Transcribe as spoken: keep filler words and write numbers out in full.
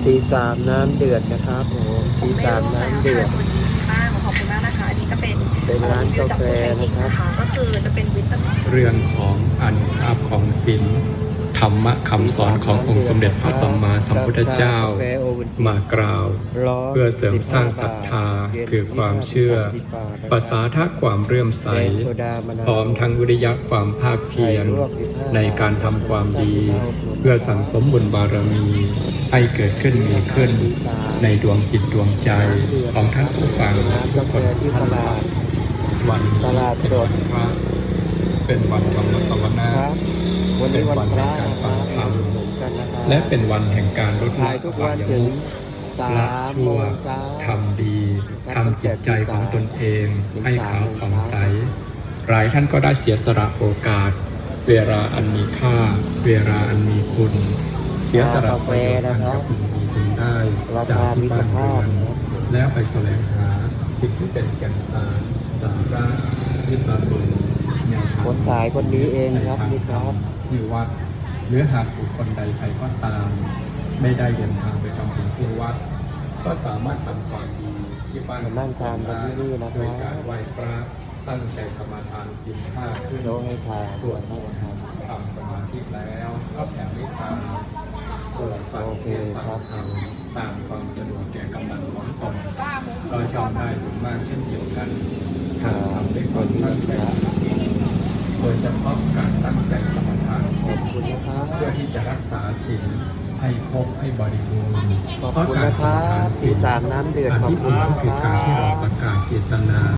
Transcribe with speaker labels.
Speaker 1: ตีสามน้ำเดือดนะครับผมตีสามน้ำเดือด
Speaker 2: ตัวนี้บ้างขอบคุณมากนะคะอันนี้จะเป็น
Speaker 1: เป็นร้านกาแฟนะครับ
Speaker 2: ก็คือจะเป็นวิตามิน
Speaker 3: เรื่องของอานุภาพของศีลธรรมะคำสอนขององค์สมเด็จพระสัมมาสัมพุทธเจ้ามากล่าวเพื่อเสริมสร้างศรัทธาคือความเชื่อประสาทะความเรื่อมใสพร้อมทั้งวิริยะความภาคเพียรในการทำความดีเพื่อสั่งสมบุญบารมีให้เกิดขึ้นมีขึ้นในดวงจิตดวงใจของท่านผู้ฟังทุกคนทุกท่านวัน
Speaker 1: ตลาดสด
Speaker 3: พระเป็นวันธรรมสวนา
Speaker 1: ครับวันนี้วันพระ
Speaker 3: เป็น
Speaker 1: นะค
Speaker 3: วั
Speaker 1: รั
Speaker 3: น
Speaker 1: บ
Speaker 3: แห่งการฟังธรรม
Speaker 1: เหมือนกันนะครับ
Speaker 3: และเป็นวันแห่งการลด
Speaker 1: ขา
Speaker 3: ละ
Speaker 1: ยทุก
Speaker 3: อ
Speaker 1: วัน
Speaker 3: ย
Speaker 1: ถึง
Speaker 3: มุข
Speaker 1: สา
Speaker 3: ละ
Speaker 1: มโม
Speaker 3: ชั่ว
Speaker 1: งเช้า
Speaker 3: ทำดีทำจิตใจของตนเองให้ขาวผ่องใสหลายท่านก็ได้เสียสละโอกาส เวลาอันมีค่า เวลาอันมีคุณ เสียสละประโยชน์อันจะพึงมีพึงได้จากที่บ้านเรือนแล้วไปแสวงหาสิ่งที่เป็นแก่นสารสาระวิตามินแนวทาง
Speaker 1: คนขายคนนี้เองครับนี่ครับ
Speaker 3: ที่วัดหรือหากบุคคลใดใครก็ตาม ไม่ได้เดินทางไปทำบุญที่วัด ก็สามารถทำความดีที่บ้าน
Speaker 1: มานั่งทานกันที่นี่นะครับ
Speaker 3: โดยการไหว้พระตั้งใจสมาทานศีลห้าขึ้น
Speaker 1: โลให้ทาน
Speaker 3: ส่วนนะครับทำสมาธิแล้วก็แผ่เมตตาโปรดฟังเทศน์ฟังธรรมตามความสะดวกแก่กำลังของตนก็ย่อมได้บุญมากเช่นเดียวกันหากทำด้วยความตั้งใจโดยเฉพาะการตั้งใจสมาทาน
Speaker 1: ขอบคุณนะครับ
Speaker 3: เพื่อที่จะรักษาศีลให้ครบให้บริบูรณ์
Speaker 1: ขอบคุณนะครับ
Speaker 3: เพาะการสมาทานศีล
Speaker 1: ตีสามน้ำเดือด
Speaker 3: อัน
Speaker 1: ขอบ
Speaker 3: ที่
Speaker 1: คุณ
Speaker 3: อ้าง
Speaker 1: นะ
Speaker 3: คือ
Speaker 1: ค
Speaker 3: การที่
Speaker 1: รั
Speaker 3: เรา
Speaker 1: บ
Speaker 3: ประกาศเจตนา